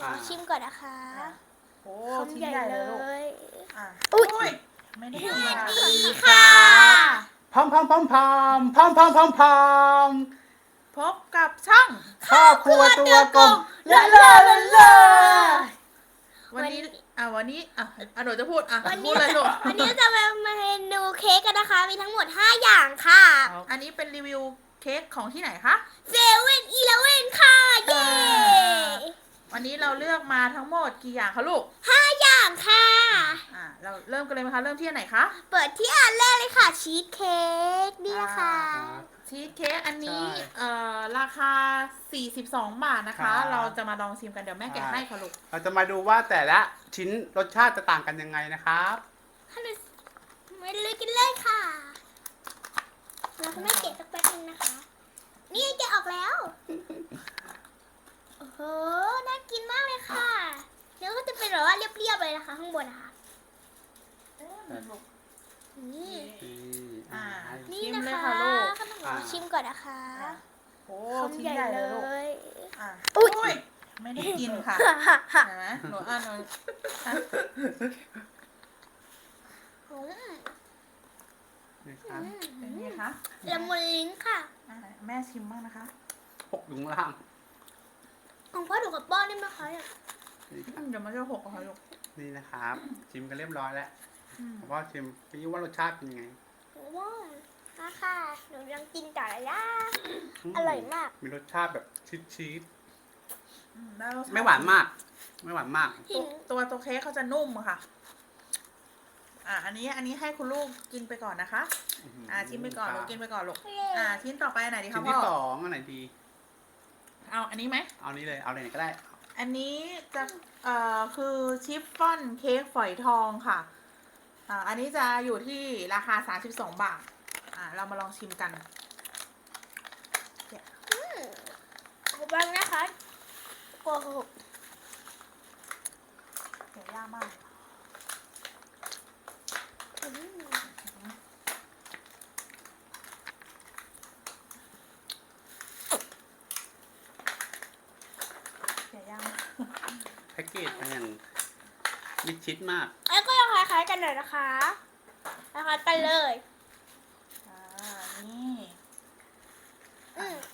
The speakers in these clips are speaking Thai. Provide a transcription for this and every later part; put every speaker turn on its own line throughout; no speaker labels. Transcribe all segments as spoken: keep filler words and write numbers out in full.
อชิมก่อนนะคะ
โอ้
คำ
ชิ้น
ใหญ่
ใหญ่
เล
เลยลูก
ย
อ่ะ
อุ๊ย
อุ้ยไม่ได้กิน
สวัส
ค่ะ
ดีค่ะ
พร้อมพร้อมพร้อมพร้อมพร้อมพร้อมพร้อมพร้อม
พบกับช่อง
ครอบครัวตัวกลม
ลาลาลาลา
วันนี้
วัน
อ่ะวันนี้อ่ะอ่ะหนูจะพูดอ่ะ
วัน
พู
นี้
ดเลยลูก
วันนี้จะมาเมนูเค้กกันนะคะ มีทั้งหมดห้าอย่างค่ะ
อันนี้เป็นรีวิวเค้กของที่ไหนคะ
เซเว่นอีเลเว่นค่ะ เย้
วันนี้เราเลือกมาทั้งหมดกี่อย่างคะลูก
ห้าอย่างค่ะ
อ่ะเราเริ่มกันเลยไหมคะเริ่มที่อันไหนคะ
เปิดที่อันแรกเลยค่ะ ชีสเค้กนี่ค่ะ
ชีสเค้กอันนี้
ใช่
เอ่อราคาสี่สิบสองบาทนะคะ
ครับ
เราจะมาลองชิมกันเดี๋ยวแม่แกะให้ค่ะลูก
เราจะมาดูว่าแต่ละชิ้นรสชาติจะต่างกันยังไงนะครับ
ฮัลโหลมาเลยกันเลยค่ะ เราจะไม่เกะสักแป๊บนึงนะคะ นี่แกะออกแล้ว โอ้โห น่ากินมากเลยค่ะ แล้วก็จะเป็นแบบว่าเรียบๆเลยนะคะ ข้างบนนะคะ นี่
อ่า
นี่
ชิม
นะ
เลย
คะ
ค่ะลูก
ขนมชิมก่อนนะคะ
โอ้
คำ
ชิ้น
ใหญ่
ใหญ่
เล
เลยลูก
ย
อ่ะ
อุ๊ย
อุ้ยไม่ได้กินค่ะเห็นไหมหนูอ่านหนูอ่ะ
อืม
นี่ครับ
เป็นไงคะ
ละมุนลิ้นค่ะ
อ่ะแม่ชิมบ้างนะคะ
ปกอยู่ข้างล่าง
ของพ่อถูกกับป้อนได้ไหมคะเนี่ย
นี่ค
อื
รับ
มเดี๋ยวมันจะหกอะค่ะลูก
นี่นะครับ ชิมกันเรียบร้อยแล้ว
อืม
ผมว่าชิมพี่ว่ารสชาติเป็นยังไง
ว้าวมาค่ะ หนูยังกินต่อเลยนะอร่อยมาก
มีรสชาติแบบชีสชีส
อืมได้รสชติ
ไม่หวานมาก ไม่หวานมาก
ตัวตัวตัวเค้กเขาจะนุ่มอะค่ะ อ่ะอันนี้อันนี้ให้คุณลูกกินไปก่อนนะคะ อ่าชิมไปก่อนลูกกินไปก่อนลูก อ่าชิ้นต่อไปอันไหนดี
ชิ้
คะ
น
พ่
ที่ส
อ
องอันไหนดี
เอาอันนี้ไหม
เอานี้เลย เอาไหนก็ได้
อันนี้จะเอ่อคือชิฟฟ่อนเค้กฝอยทองค่ะ อ่าอันนี้จะอยู่ที่ราคาสามสิบสองบาท อ่าเรามาลองชิมกัน
ขอบคุณนะคะโอ้โห
เดี๋ยวยากมาก
อืม
เดี๋ยวยากมาก
แพ็กเกจมันอย่างมิดชิดมาก
แล้วก็ยังคล้ายๆกันหน่อยนะคะคล้ายๆกันเลย
อ่า นี่
อืม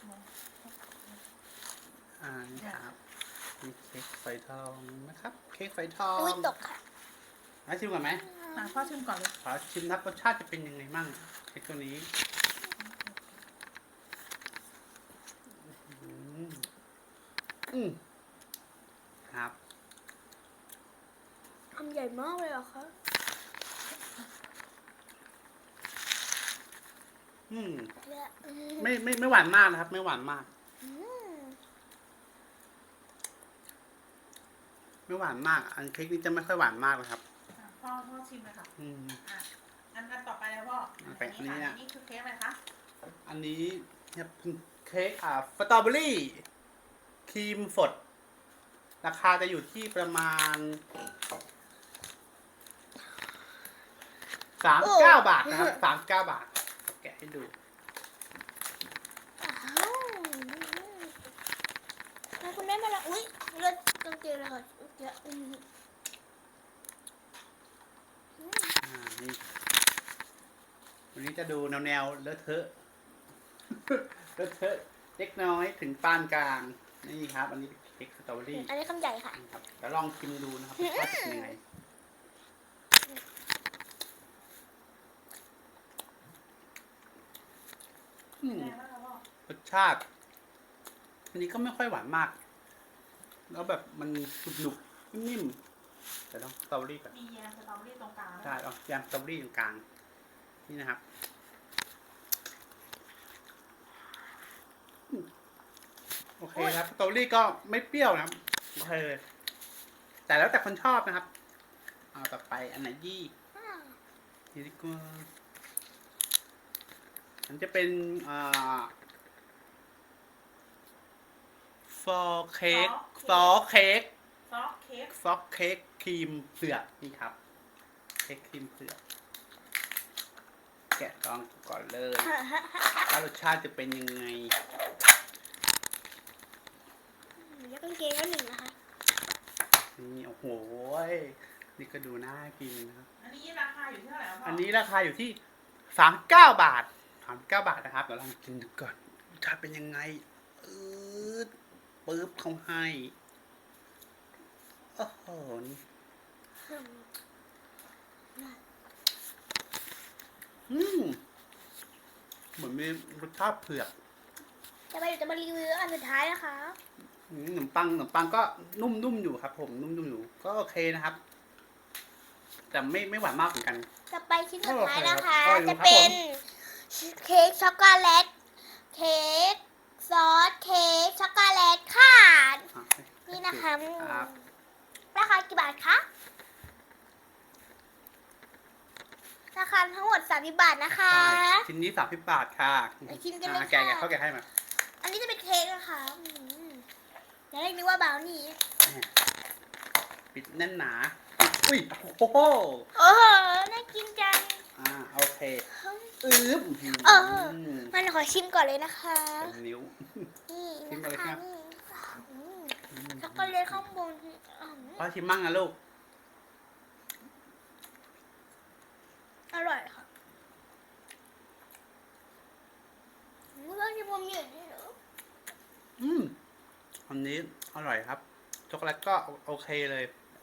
อ่านี่ครับมีเค้กไฟทองนะครับ เค้กไฟทอง
อุ้ยตกค่ะ
มาชิมก่อนไหม
อ่ะพ่อชิมก่อนเลย
ขอชิมครับรสชาติจะเป็นยังไงมั่งเค้กตัวนี้อืมอืมครับ
ทำใหญ่มากเลยเหรอคะ
อืม
เนี่ยอืม
ไม่ไม่ไม่หวานมากนะครับ ไม่หวานมาก
อืม
ไม่หวานมาก อันเค้กนี้จะไม่ค่อยหวานมากเลยครับ
อ่ะพ่อพ่อชิมเลยค่ะ
อืม
อ่ะ อันอันต่อไปเลยพ่อ
อันไปอันนี้
ค่ะ
อะ
อันนี้คือเค้กอะไรคะ
อันนี้เนี่ยเป็นเค้กอ่าสตรอเบอรี่ครีมสดราคาจะอยู่ที่ประมาณสามเก้าบาทนะครับสามเก้าบาท แกะให้ดู
อ้าวแล้วคุณแม่มาแล้วอุ้ยเลือดกางเกงเลยค่ะเยอะอืม
อ่านี่วันนี้จะดูแนวแนวๆเลอะเทอะ เลอะเทอะเล็กน้อยถึงปานกลาง นี่ครับ อันนี้เป็นเค้กสตรอเบอรี่
อันนี้คำใหญ่ค่ะ
ครับแล้วลองชิมดูนะครับว่าจะเป็นยังไงอืม
แม่ว่าพ่อ
รสชาติ อันนี้ก็ไม่ค่อยหวานมาก แล้วแบบมันหนุบๆนิ่มๆแต่ต้องสตรอเบอรี่ก่อน
มีแยมสตรอเบอรี่ตรงกลางด้วย
ใช่เอายำสตรอเบอรี่ตรงกลาง นี่นะครับอืมโอเคครับสตรอเบอรี่ก็ไม่เปรี้ยวนะครับโอเคแต่แล้วแต่คนชอบนะครับ เอาต่อไปอันไหนยี่นี่ดีกว่าอันจะเป็นอ่าฟอเค้กซอเค้ก
ซอสเค้ก
ซอสเค้กครีมเผือกนี่ครับ เค้กครีมเผือกแกะลองก่อนเลยว่ารสชาติจะเป็นยังไง
ยักกางเกงแล้วหนึ่งนะคะ
โหยนี่ก็ดูน่ากินนะครับ
อันนี้ราคาอยู่ที่เท่าไหร่ครับพ่อ
อั
อั
นนี้ราคาอยู่ที่สามสิบเก้าบาทสามสิบเก้าบาทนะครับเดี๋ยวลองกินดูก่อนรสชาติเป็นยังไงอืดปึ๊บเขาให้โอ้โหนี่อืมเหมือนมีรสชาติเผือก
จะไปเดี๋ยวจะมารีวิวอันสุดท้ายนะคะ
อืมขนมปังขนมปังก็นุ่มๆอยู่ครับ ผมนุ่มๆอยู่ก็โอเคนะครับ แต่ไม่ไม่หวานมากเหมือนกัน
จะไปชิ้นสุดท้ายนะคะ
โอเคครับ
จะเป็นเค้กช็อกโกแลต เค้กซอสเค้กช็อกโกแลตค่ะ
อ่ะ
นี่นะคะ
ครับ
ราคากี่บาทคะ ราคาทั้งหมดสามสิบบาทนะคะ
ใช่ชิ้นนี้สามสิบบาทค่ะ
ไปชิมกันเลย
อ่ะแกะ
ค่ะ
แกะเข้าแกะให้มา
อันนี้จะเป็นเค้กนะคะอืมอย่าเรียกนึกว่าบราวนี่
ปิดแน่นหนา อุ้ย โอ้โห
โอ้โห น่ากินจัง
อ่า โอเคอึ๊บ
เออ มันขอชิมก่อนเลยนะคะ
เต็มนิ้ว
นี่
ชิม
นะ
ก่อนเลยครั
คะ
บ
นี่อืมช็อกโกแลตข้างบนอืม
พ่อชิมมั่งนะลูก
อร่อยค่ะเมื่อที่ผมอยู่นี่เหรอ
อืม อันนี้อร่อยครับ ช็อกโกแลตก็โอเคเลย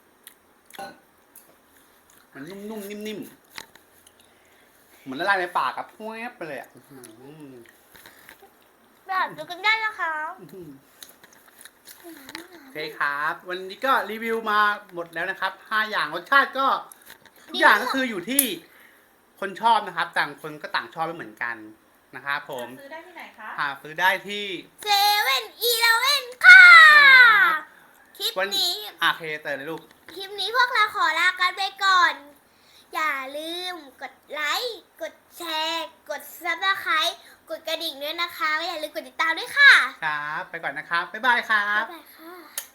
มันนุ่มๆ นิ่มๆ เหมือนละลายในปากกับแวบไปเลยอ่ะอื้อหือ
แบบดูกันได้นะคะ
อื้อหือโอเคครับ วันนี้ก็รีวิวมาหมดแล้วนะครับห้าอย่างรสชาติก็ทุกอย่างก็คืออยู่ที่คนชอบนะครับ ต่างคนก็ต่างชอบไม่เหมือนกันนะครับผม
ซื้อได้ที่ไหนคะ
หาซื้อได้ที่
เซเว่นอีเลเว่นค่ะ คลิป
วัน
นี้
อาเคเตอร์เลยลูก
คลิปนี้พวกเราขอลากันไปก่อน อย่าลืมกดไลค์ กดแชร์ กดซับสไครต์กดกระดิ่งด้วยนะคะและอย่าลืมกดติดตามด้วยค่ะ
ครับ ไปก่อนนะครับ บ๊ายบายครับ
บ๊ายบายค่ะ